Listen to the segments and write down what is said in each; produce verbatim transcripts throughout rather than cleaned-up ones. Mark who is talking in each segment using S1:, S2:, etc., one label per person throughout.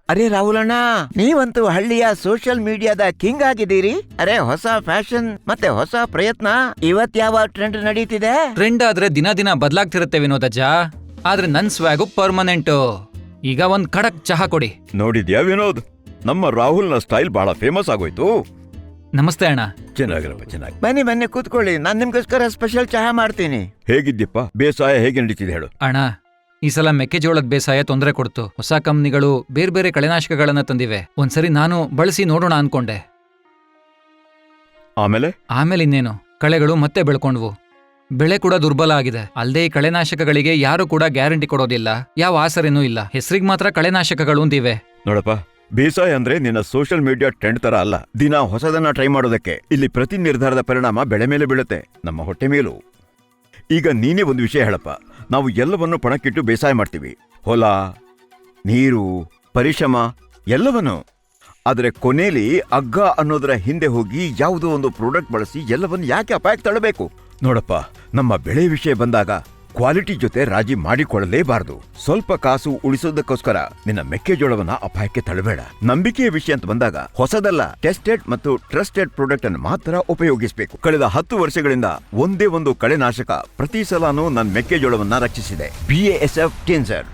S1: ಅರೆ ರಾಹುಲಣ್ಣ, ನೀವಂತೂ ಹಳ್ಳಿಯ ಸೋಷಿಯಲ್ ಮೀಡಿಯಾದ ಕಿಂಗ್ ಆಗಿದ್ದೀರಿ. ಅರೆ ಹೊಸ ಫ್ಯಾಷನ್ ಮತ್ತೆ ಹೊಸ ಪ್ರಯತ್ನ. ಇವತ್ ಯಾವ ಟ್ರೆಂಡ್ ನಡೀತಿದೆ?
S2: ಟ್ರೆಂಡ್ ಆದ್ರೆ ದಿನ ದಿನ ಬದಲಾಗ್ತಿರುತ್ತೆ ವಿನೋದಜ್ಜ, ಆದ್ರೆ ನನ್ ಸ್ವ್ಯಾಗು ಪರ್ಮನೆಂಟು. ಈಗ ಒಂದ್ ಖಡಕ್ ಚಹಾ ಕೊಡಿ.
S3: ನೋಡಿದ್ಯಾ ವಿನೋದ್, ನಮ್ಮ ರಾಹುಲ್ನ ಸ್ಟೈಲ್ ಬಹಳ ಫೇಮಸ್ ಆಗೋಯ್ತು.
S2: ನಮಸ್ತೆ ಅಣ್ಣ.
S3: ಚೆನ್ನಾಗಿರಪ್ಪ, ಚೆನ್ನಾಗಿ
S1: ಬನ್ನಿ ಬನ್ನಿ ಕೂತ್ಕೊಳ್ಳಿ, ನಾನ್ ನಿಮ್ಗೋಸ್ಕರ ಸ್ಪೆಷಲ್ ಚಹಾ ಮಾಡ್ತೀನಿ.
S3: ಹೇಗಿದ್ದೀಪ್ಪ? ಬೇಸಾಯ ಹೇಗೆ ನಡೀತಿದೆ ಹೇಳು.
S2: ಅಣ್ಣ, ಈ ಸಲ ಮೆಕ್ಕೆಜೋಳದ ಬೇಸಾಯ ತೊಂದರೆ ಕೊಡ್ತು. ಹೊಸ ಕಂಪ್ನಿಗಳು ಬೇರೆ ಬೇರೆ ಕಳೆನಾಶಕಗಳನ್ನ ತಂದಿವೆ. ಒಂದ್ಸರಿ ನಾನು ಬಳಸಿ ನೋಡೋಣ ಅನ್ಕೊಂಡೆ.
S3: ಆಮೇಲೆ
S2: ಆಮೇಲೆ ಇನ್ನೇನು, ಕಳೆಗಳು ಮತ್ತೆ ಬೆಳ್ಕೊಂಡ್ವು. ಬೆಳೆ ಕೂಡ ದುರ್ಬಲ ಆಗಿದೆ. ಅಲ್ಲದೆ ಈ ಕಳೆನಾಶಕಗಳಿಗೆ ಯಾರು ಕೂಡ ಗ್ಯಾರಂಟಿ ಕೊಡೋದಿಲ್ಲ, ಯಾವ ಆಸರೆನೂ ಇಲ್ಲ. ಹೆಸರಿಗೆ ಮಾತ್ರ ಕಳೆನಾಶಕಗಳು ಅಂತಿವೆ.
S3: ನೋಡಪ್ಪ, ಬೇಸಾಯ ಅಂದ್ರೆ ನಿನ್ನ ಸೋಷಿಯಲ್ ಮೀಡಿಯಾ ಟ್ರೆಂಡ್ ತರ ಅಲ್ಲ. ದಿನ ಹೊಸದನ್ನ ಟ್ರೈ ಮಾಡೋದಕ್ಕೆ. ಇಲ್ಲಿ ಪ್ರತಿ ನಿರ್ಧಾರದ ಪರಿಣಾಮ ಬೆಳೆ ಮೇಲೆ ಬೀಳುತ್ತೆ, ನಮ್ಮ ಹೊಟ್ಟೆ ಮೇಲೂ. ಈಗ ನೀನೇ ಒಂದು ವಿಷಯ ಹೇಳಪ್ಪ. ನಾವು ಎಲ್ಲವನ್ನು ಪಣಕ್ಕಿಟ್ಟು ಬೇಸಾಯ ಮಾಡ್ತೀವಿ, ಹೊಲ, ನೀರು, ಪರಿಶ್ರಮ ಎಲ್ಲವನ್ನು. ಆದರೆ ಕೊನೆಯಲ್ಲಿ ಅಗ್ಗ ಅನ್ನೋದರ ಹಿಂದೆ ಹೋಗಿ ಯಾವುದೋ ಒಂದು ಪ್ರಾಡಕ್ಟ್ ಬಳಸಿ ಎಲ್ಲವನ್ನು ಯಾಕೆ ಅಪಾಯಕ್ಕೆ ತಳ್ಳಬೇಕು? ನೋಡಪ್ಪ, ನಮ್ಮ ಬೆಳೆ ವಿಷಯ ಬಂದಾಗ ಕ್ವಾಲಿಟಿ ಜೊತೆ ರಾಜಿ ಮಾಡಿಕೊಳ್ಳಲೇಬಾರದು. ಸ್ವಲ್ಪ ಕಾಸು ಉಳಿಸೋದಕ್ಕೋಸ್ಕರ ನಿನ್ನ ಮೆಕ್ಕೆಜೋಳವನ್ನ ಅಪಾಯಕ್ಕೆ ತಳ್ಳಬೇಡ. ನಂಬಿಕೆಯ ವಿಷಯ ಅಂತ ಬಂದಾಗ ಹೊಸದಲ್ಲ, ಟೆಸ್ಟೆಡ್ ಮತ್ತು ಟ್ರಸ್ಟೆಡ್ ಪ್ರಾಡಕ್ಟ್ ಅನ್ನು ಮಾತ್ರ ಉಪಯೋಗಿಸಬೇಕು. ಕಳೆದ ಹತ್ತು ವರ್ಷಗಳಿಂದ ಒಂದೇ ಒಂದು ಕಳೆನಾಶಕ ಪ್ರತಿ ಸಲಾನು ನನ್ನ ಮೆಕ್ಕೆಜೋಳವನ್ನ ರಕ್ಷಿಸಿದೆ. B A S F Tynzer.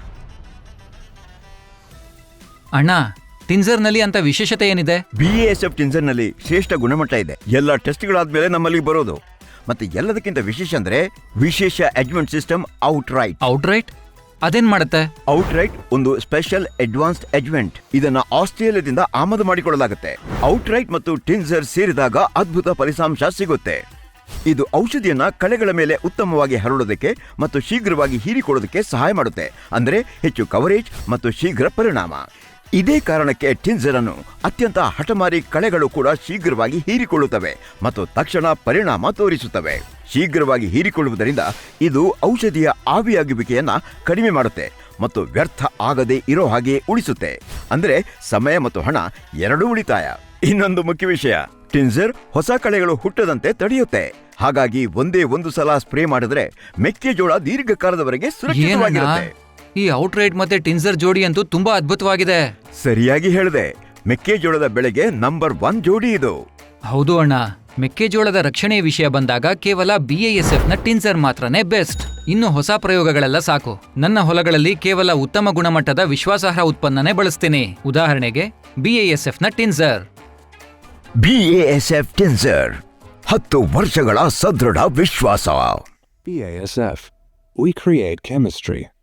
S2: ಅಣ್ಣ, ಟಿನ್ಸರ್ ನಲ್ಲಿ ಅಂತ ವಿಶೇಷತೆ ಏನಿದೆ?
S3: B A S F Tynzer ನಲ್ಲಿ ಶ್ರೇಷ್ಠ ಗುಣಮಟ್ಟ ಇದೆ. ಎಲ್ಲ ಟೆಸ್ಟ್ಗಳಾದ್ಮೇಲೆ ನಮ್ಮಲ್ಲಿ ಬರೋದು. ಮತ್ತೆ ಎಲ್ಲದಕ್ಕಿಂತ ವಿಶೇಷ ಅಂದ್ರೆ ವಿಶೇಷ advance system out right.
S2: Out right ಅದೇನ್ ಮಾಡುತ್ತೆ?
S3: ಔಟ್ ರೈಟ್ ಒಂದು ಸ್ಪೆಷಲ್ ಅಡ್ವಾನ್ಸ್ಡ್ ಅಡ್ವೆಂಟ್. ಇದನ್ನ ಆಸ್ಟ್ರೇಲಿಯಾದಿಂದ ಆಮದು ಮಾಡಿಕೊಳ್ಳಲಾಗುತ್ತೆ. ಔಟ್ ರೈಟ್ ಮತ್ತು ಟಿನ್ಸರ್ ಸೇರಿದಾಗ ಅದ್ಭುತ ಫಲಿತಾಂಶ ಸಿಗುತ್ತೆ. ಇದು ಔಷಧಿಯನ್ನ ಕಳೆಗಳ ಮೇಲೆ ಉತ್ತಮವಾಗಿ ಹರಡೋದಕ್ಕೆ ಮತ್ತು ಶೀಘ್ರವಾಗಿ ಹೀರಿಕೊಳ್ಳೋದಕ್ಕೆ ಸಹಾಯ ಮಾಡುತ್ತೆ. ಅಂದ್ರೆ ಹೆಚ್ಚು ಕವರೇಜ್ ಮತ್ತು ಶೀಘ್ರ ಪರಿಣಾಮ. ಇದೇ ಕಾರಣಕ್ಕೆ ಟಿನ್ಸರ್ ಅನ್ನು ಅತ್ಯಂತ ಹಠಮಾರಿ ಕಳೆಗಳು ಕೂಡ ಶೀಘ್ರವಾಗಿ ಹೀರಿಕೊಳ್ಳುತ್ತವೆ ಮತ್ತು ತಕ್ಷಣ ಪರಿಣಾಮ ತೋರಿಸುತ್ತವೆ. ಶೀಘ್ರವಾಗಿ ಹೀರಿಕೊಳ್ಳುವುದರಿಂದ ಇದು ಔಷಧಿಯ ಆವಿಯಾಗುವಿಕೆಯನ್ನ ಕಡಿಮೆ ಮಾಡುತ್ತೆ ಮತ್ತು ವ್ಯರ್ಥ ಆಗದೆ ಇರೋ ಹಾಗೆ ಉಳಿಸುತ್ತೆ. ಅಂದ್ರೆ ಸಮಯ ಮತ್ತು ಹಣ ಎರಡೂ ಉಳಿತಾಯ. ಇನ್ನೊಂದು ಮುಖ್ಯ ವಿಷಯ, ಟಿನ್ಸರ್ ಹೊಸ ಕಳೆಗಳು ಹುಟ್ಟದಂತೆ ತಡೆಯುತ್ತೆ. ಹಾಗಾಗಿ ಒಂದೇ ಒಂದು ಸಲ ಸ್ಪ್ರೇ ಮಾಡಿದ್ರೆ ಮೆಕ್ಕೆಜೋಳ ದೀರ್ಘಕಾಲದವರೆಗೆ ಸುರಕ್ಷಿತವಾಗಿರುತ್ತೆ.
S2: ಈ ಔಟ್ ರೈಟ್ ಮತ್ತೆ ಟಿನ್ಸರ್ ಜೋಡಿ ಅಂತೂ ತುಂಬಾ ಅದ್ಭುತವಾಗಿದೆ.
S3: ಸರಿಯಾಗಿ ಹೇಳಿದೆ. ಮೆಕ್ಕೆಜೋಳದ ಬೆಳೆಗೆ ನಂಬರ್ ಒನ್ ಜೋಡಿ ಇದು.
S2: ಹೌದು ಅಣ್ಣ, ಮೆಕ್ಕೆಜೋಳದ ರಕ್ಷಣೆಯ ವಿಷಯ ಬಂದಾಗ ಕೇವಲ ಬಿ ಎ ಎಸ್ ಎಫ್ ನ ಟಿನ್ಸರ್ ಮಾತ್ರನೇ ಬೆಸ್ಟ್. ಇನ್ನು ಹೊಸ ಪ್ರಯೋಗಗಳೆಲ್ಲ ಸಾಕು. ನನ್ನ ಹೊಲಗಳಲ್ಲಿ ಕೇವಲ ಉತ್ತಮ ಗುಣಮಟ್ಟದ ವಿಶ್ವಾಸಾರ್ಹ ಉತ್ಪನ್ನನೇ ಬಳಸ್ತೀನಿ. ಉದಾಹರಣೆಗೆ ಬಿ ಎ ಎಸ್ ಎಫ್ ನ Tynzer.
S1: B A S F Tynzer, ಹತ್ತು ವರ್ಷಗಳ ಸದೃಢ ವಿಶ್ವಾಸ.
S4: B A S F. We create chemistry.